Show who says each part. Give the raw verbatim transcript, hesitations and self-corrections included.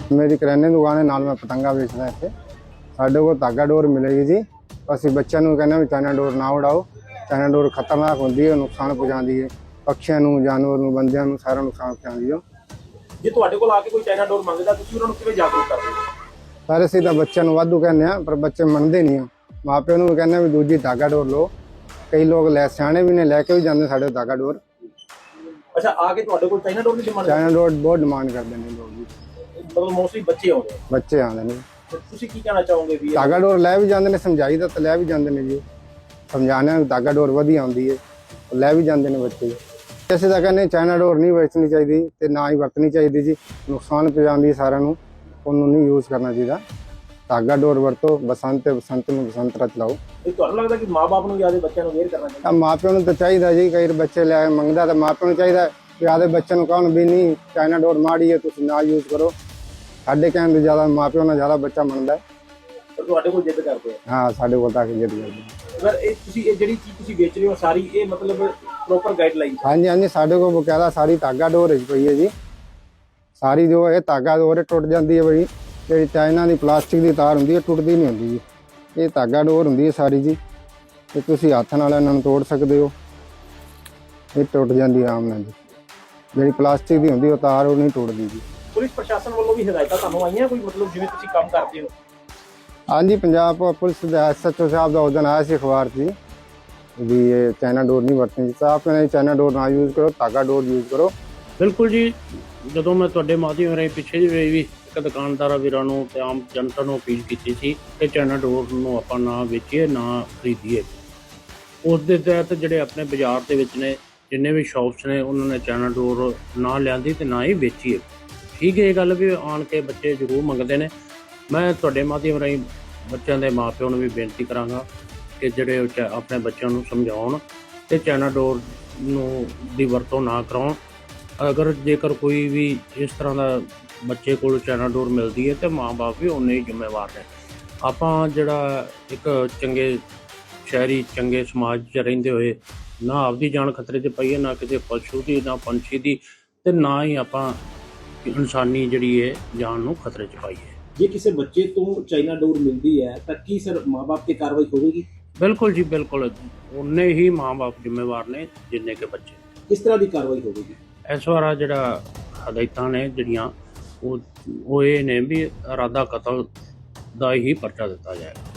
Speaker 1: मेरी करियाने की दुकान है, नाल मैं पतंगा बेचदा इत्थे। साडे कोल धागा डोर मिलेगी जी। ਅਸੀਂ ਬੱਚਿਆਂ ਨੂੰ ਕਹਿੰਦੇ ਵੀ ਚਾਈਨਾ ਡੋਰ ਨਾ ਉਡਾਓ। ਚਾਈਨਾ ਡੋਰ ਖਤਰਨਾਕ ਹੁੰਦੀ ਹੈ, ਨੁਕਸਾਨ ਪਹੁੰਚਾਉਂਦੀ ਹੈ ਪੱਖੀਆਂ ਨੂੰ, ਜਾਨਵਰ ਨੂੰ, ਬੰਦਿਆਂ ਨੂੰ, ਸਾਰਾ ਨੁਕਸਾਨ ਪਹੁੰਚਾਉਂਦੀ ਹੈ।
Speaker 2: ਜੇ ਤੁਹਾਡੇ ਕੋਲ ਆ ਕੇ ਕੋਈ ਚਾਈਨਾ ਡੋਰ ਮੰਗਦਾ ਤੁਸੀਂ ਉਹਨਾਂ ਨੂੰ ਕਿਵੇਂ ਜਾਗਰੂਕ ਕਰਦੇ ਹੋ?
Speaker 1: ਸਾਰੇ ਅਸੀਂ ਤਾਂ ਬੱਚਿਆਂ ਨੂੰ ਵਾਧੂ ਕਹਿੰਦੇ ਆ, ਪਰ ਬੱਚੇ ਮੰਨਦੇ ਨਹੀਂ ਆ। ਮਾਪਿਆਂ ਨੂੰ ਵੀ ਕਹਿੰਦੇ ਵੀ ਦੂਜੀ ਧਾਗਾ ਡੋਰ ਲਓ। ਕਈ ਲੋਕ ਲੈ ਸਿਆਣੇ ਵੀ ਨੇ, ਲੈ ਕੇ ਵੀ ਜਾਂਦੇ ਸਾਡੇ ਧਾਗਾ ਡੋਰ।
Speaker 2: ਅੱਛਾ, ਆ ਕੇ ਤੁਹਾਡੇ ਕੋਲ ਚਾਈਨਾ ਡੋਰ ਦੀ ਡਿਮਾਂਡ?
Speaker 1: ਚਾਈਨਾ ਡੋਰ ਬਹੁਤ ਡਿਮਾਂਡ ਕਰਦੇ ਨੇ ਲੋਕ ਜੀ।
Speaker 2: ਮਤਲਬ ਮੋਸਟਲੀ ਬੱਚੇ ਆਉਂਦੇ ਆ?
Speaker 1: ਬੱਚੇ ਆਉਂਦੇ ਨੇ।
Speaker 2: ਤੁਸੀਂ ਕੀ ਕਹਿਣਾ ਚਾਹੋਗੇ ਵੀ?
Speaker 1: ਧਾਗਾ ਡੋਰ ਲੈ ਵੀ ਜਾਂਦੇ ਨੇ, ਸਮਝਾਈ ਦਾ ਤਾਂ ਲੈ ਵੀ ਜਾਂਦੇ ਨੇ ਜੀ। ਸਮਝਾਣੇ ਧਾਗਾ ਡੋਰ ਵਧੀਆ ਆਉਂਦੀ ਹੈ, ਲੈ ਵੀ ਜਾਂਦੇ ਨੇ ਬੱਚੇ। ਅਸੀਂ ਤਾਂ ਕਹਿੰਦੇ ਚਾਈਨਾ ਡੋਰ ਨਹੀਂ ਵਰਤਣੀ ਚਾਹੀਦੀ ਤੇ ਨਾ ਹੀ ਵਰਤਣੀ ਚਾਹੀਦੀ ਜੀ। ਨੁਕਸਾਨ ਪਹੁੰਚਾਉਂਦੀ ਸਾਰਿਆਂ ਨੂੰ, ਉਹਨੂੰ ਨਹੀਂ ਯੂਜ਼ ਕਰਨਾ ਚਾਹੀਦਾ। ਧਾਗਾ ਡੋਰ ਵਰਤੋ, ਬਸੰਤ ਬਸੰਤ ਨੂੰ ਬਸੰਤ ਰਾਤ ਲਾਓ।
Speaker 2: ਇਹ ਤੁਹਾਨੂੰ ਲੱਗਦਾ ਕਿ ਮਾਪੇ ਨੂੰ ਜਿਆਦਾ ਬੱਚਿਆਂ ਨੂੰ ਅਵੇਅਰ ਕਰਨਾ ਚਾਹੀਦਾ?
Speaker 1: ਮਾਪਿਆਂ ਨੂੰ ਤਾਂ ਚਾਹੀਦਾ ਜੀ। ਕਈ ਬੱਚੇ ਲੈ ਮੰਗਦਾ ਤਾਂ ਮਾਪਿਆਂ ਨੂੰ ਚਾਹੀਦਾ ਵੀ ਆਦੇ ਬੱਚਿਆਂ ਨੂੰ ਕਹਣ ਵੀ ਨਹੀਂ ਚਾਈਨਾ ਡੋਰ ਮਾੜੀ ਹੈ, ਤੁਸੀਂ ਨਾ ਯੂਜ਼ ਕਰੋ। ਸਾਡੇ ਕਹਿਣ ਤੋਂ ਜ਼ਿਆਦਾ ਮਾਪਿਆਂ ਨਾਲ ਜ਼ਿਆਦਾ ਬੱਚਾ ਮੰਨਦਾ ਹੈ।
Speaker 2: ਤੁਹਾਡੇ ਕੋਲ ਜਿੱਦ ਕਰਦੇ ਆ?
Speaker 1: ਹਾਂ, ਸਾਡੇ ਕੋਲ ਤਾਂ ਕਿ ਜਿੱਦ ਕਰਦੇ।
Speaker 2: ਅਗਰ ਇਹ ਤੁਸੀਂ ਇਹ ਜਿਹੜੀ ਚੀਜ਼ ਤੁਸੀਂ ਵੇਚ ਰਹੇ ਹੋ ਸਾਰੀ ਇਹ ਮਤਲਬ ਪ੍ਰੋਪਰ ਗਾਈਡਲਾਈਨ?
Speaker 1: ਹਾਂਜੀ ਹਾਂਜੀ, ਸਾਡੇ ਕੋਲ ਬਕਾਇਦਾ ਸਾਰੀ ਧਾਗਾ ਡੋਰ ਹੀ ਪਈ ਹੈ ਜੀ। ਸਾਰੀ ਜੋ ਇਹ ਧਾਗਾ ਡੋਰ ਟੁੱਟ ਜਾਂਦੀ ਹੈ ਬਈ। ਜਿਹੜੀ ਚਾਈਨਾ ਦੀ ਪਲਾਸਟਿਕ ਦੀ ਤਾਰ ਹੁੰਦੀ ਹੈ ਟੁੱਟਦੀ ਨਹੀਂ ਹੁੰਦੀ ਜੀ। ਇਹ ਧਾਗਾ ਡੋਰ ਹੁੰਦੀ ਹੈ ਸਾਰੀ ਜੀ। ਤੇ ਤੁਸੀਂ ਹੱਥ ਨਾਲ ਇਹਨਾਂ ਨੂੰ ਤੋੜ ਸਕਦੇ ਹੋ। ਇਹ ਟੁੱਟ ਜਾਂਦੀ ਆਮ ਨਾਲ ਜੀ। ਜਿਹੜੀ ਪਲਾਸਟਿਕ ਦੀ ਹੁੰਦੀ ਉਹ ਤਾਰ ਉਹ ਨਹੀਂ ਟੁੱਟਦੀ ਜੀ।
Speaker 2: ਪੁਲਿਸ ਪ੍ਰਸ਼ਾਸਨ ਵੱਲੋਂ ਵੀ ਹਦਾਇਤਾਂ ਤੁਹਾਨੂੰ ਆਈਆਂ ਕੋਈ, ਮਤਲਬ ਜਿਵੇਂ ਤੁਸੀਂ ਕੰਮ ਕਰਦੇ ਹੋ?
Speaker 1: ਹਾਂਜੀ, ਪੰਜਾਬ ਪੁਲਿਸ ਦਾ ਐਸ ਐਚ ਓ ਸਾਹਿਬ ਦਾ ਉਸ ਦਿਨ ਆਇਆ ਸੀ ਅਖਬਾਰ 'ਚ ਜੀ ਵੀ ਇਹ ਚਾਈਨਾ ਡੋਰ ਨਹੀਂ ਵਰਤਣੀ। ਤਾਂ ਆਪਣੇ ਚਾਈਨਾ ਡੋਰ ਨਾ ਯੂਜ਼ ਕਰੋ, ਧਾਗਾ ਡੋਰ ਯੂਜ਼ ਕਰੋ।
Speaker 3: ਬਿਲਕੁਲ ਜੀ। ਜਦੋਂ ਮੈਂ ਤੁਹਾਡੇ ਮਾਧਿਅਮ ਰਾਹੀਂ ਪਿੱਛੇ ਜਿਹੇ ਵੀ ਇੱਕ ਦੁਕਾਨਦਾਰਾਂ ਵੀਰਾਂ ਨੂੰ ਤੇ ਆਮ ਜਨਤਾ ਨੂੰ ਅਪੀਲ ਕੀਤੀ ਸੀ ਕਿ ਚਾਈਨਾ ਡੋਰ ਨੂੰ ਆਪਾਂ ਨਾ ਵੇਚੀਏ, ਨਾ ਖਰੀਦੀਏ। ਉਸ ਦੇ ਤਹਿਤ ਜਿਹੜੇ ਆਪਣੇ ਬਾਜ਼ਾਰ ਦੇ ਵਿੱਚ ਨੇ ਜਿੰਨੇ ਵੀ ਸ਼ੌਪਸ ਨੇ ਉਹਨਾਂ ਨੇ ਚਾਈਨਾ ਡੋਰ ਨਾ ਲਿਆਂਦੀ ਤੇ ਨਾ ਹੀ ਵੇਚੀਏ। ਠੀਕ ਹੈ, ਇਹ ਗੱਲ ਵੀ ਆਣ ਕੇ ਬੱਚੇ ਜ਼ਰੂਰ ਮੰਗਦੇ ਨੇ। ਮੈਂ ਤੁਹਾਡੇ ਮਾਧਿਅਮ ਰਾਹੀਂ ਬੱਚਿਆਂ ਦੇ ਮਾਪਿਆਂ ਨੂੰ ਵੀ ਬੇਨਤੀ ਕਰਾਂਗਾ ਕਿ ਜਿਹੜੇ ਆਪਣੇ ਬੱਚਿਆਂ ਨੂੰ ਸਮਝਾਉਣ ਤੇ ਚਾਈਨਾ ਡੋਰ ਨੂੰ ਦੀ ਵਰਤੋਂ ਨਾ ਕਰਾਉਣ। ਅਗਰ ਜੇਕਰ ਕੋਈ ਵੀ ਇਸ ਤਰ੍ਹਾਂ ਦਾ ਬੱਚੇ ਕੋਲ ਚਾਈਨਾ ਡੋਰ ਮਿਲਦੀ ਹੈ ਤੇ ਮਾਂ-ਬਾਪ ਵੀ ਉਨੇ ਹੀ ਜ਼ਿੰਮੇਵਾਰ ਨੇ। ਆਪਾਂ ਜਿਹੜਾ ਇੱਕ ਚੰਗੇ ਸ਼ਹਿਰੀ ਚੰਗੇ ਸਮਾਜ 'ਚ ਰਹਿੰਦੇ ਹੋਏ ਨਾ ਆਪਦੀ ਜਾਨ ਖਤਰੇ 'ਚ ਪਾਈਏ, ਨਾ ਕਿਸੇ ਪਸ਼ੂ ਦੀ, ਨਾ ਪੰਛੀ ਦੀ, ਤੇ ਨਾ ਹੀ ਆਪਾਂ ਇਨਸਾਨੀ ਜਿਹੜੀ ਹੈ ਜਾਨ ਨੂੰ ਖਤਰੇ 'ਚ ਪਾਈਏ।
Speaker 2: ਜੇ ਕਿਸੇ ਬੱਚੇ ਤੋਂ ਚਾਈਨਾ ਡੋਰ ਮਿਲਦੀ ਹੈ ਤਾਂ ਕੀ ਸਰ ਮਾਂ-ਬਾਪ ਤੇ ਕਾਰਵਾਈ ਹੋਵੇਗੀ?
Speaker 3: ਬਿਲਕੁਲ ਜੀ, ਬਿਲਕੁਲ। ਉਨੇ ਹੀ ਮਾਂ-ਬਾਪ ਜ਼ਿੰਮੇਵਾਰ ਨੇ ਜਿੰਨੇ ਕਿ ਬੱਚੇ।
Speaker 2: ਕਿਸ ਤਰ੍ਹਾਂ ਦੀ ਕਾਰਵਾਈ ਹੋਵੇਗੀ?
Speaker 3: ਇਸ ਵਾਰ ਜਿਹੜਾ ਹਦਾਇਤਾਂ ਨੇ ਜਿਹੜੀਆਂ ਉਹ ਉਹ ਇਹ ਨੇ ਵੀ ਇਰਾਦਾ ਕਤਲ ਦਾ ਹੀ ਪਰਚਾ ਦਿੱਤਾ ਜਾਏਗਾ।